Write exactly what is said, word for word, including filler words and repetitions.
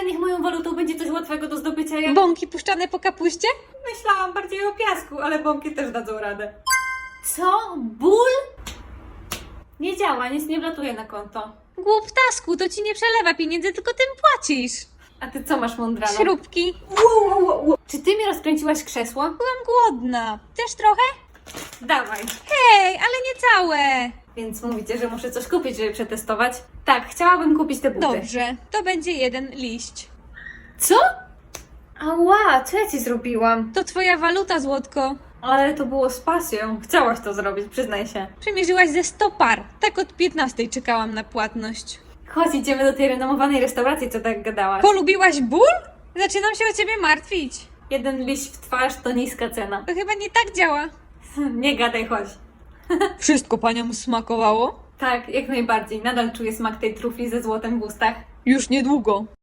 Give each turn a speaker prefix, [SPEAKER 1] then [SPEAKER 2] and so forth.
[SPEAKER 1] Ale niech moją walutą będzie coś łatwego do zdobycia jak...
[SPEAKER 2] Bąki puszczane po kapuście?
[SPEAKER 1] Myślałam bardziej o piasku, ale bąki też dadzą radę. Co? Ból? Nie działa, nic nie wlatuje na konto.
[SPEAKER 2] Głuptasku, to ci nie przelewa pieniędzy, tylko tym płacisz.
[SPEAKER 1] A ty co masz, mądralo?
[SPEAKER 2] Śrubki.
[SPEAKER 1] Wow, wow, wow, wow. Czy ty mi rozkręciłaś krzesło?
[SPEAKER 2] Byłam głodna. Też trochę?
[SPEAKER 1] Dawaj.
[SPEAKER 2] Hej, ale nie całe.
[SPEAKER 1] Więc mówicie, że muszę coś kupić, żeby przetestować? Tak, chciałabym kupić te buty.
[SPEAKER 2] Dobrze, to będzie jeden liść.
[SPEAKER 1] Co? Ała, co ja ci zrobiłam?
[SPEAKER 2] To twoja waluta, złotko.
[SPEAKER 1] Ale to było z pasją. Chciałaś to zrobić, przyznaj się.
[SPEAKER 2] Przymierzyłaś ze sto par. Tak od piętnastej czekałam na płatność.
[SPEAKER 1] Chodź, idziemy do tej renomowanej restauracji, co tak gadałaś.
[SPEAKER 2] Polubiłaś ból? Zaczynam się o ciebie martwić.
[SPEAKER 1] Jeden liść w twarz to niska cena.
[SPEAKER 2] To chyba nie tak działa.
[SPEAKER 1] Nie gadaj, chodź.
[SPEAKER 2] Wszystko paniom smakowało?
[SPEAKER 1] Tak, jak najbardziej. Nadal czuję smak tej trufli ze złotem w ustach.
[SPEAKER 2] Już niedługo.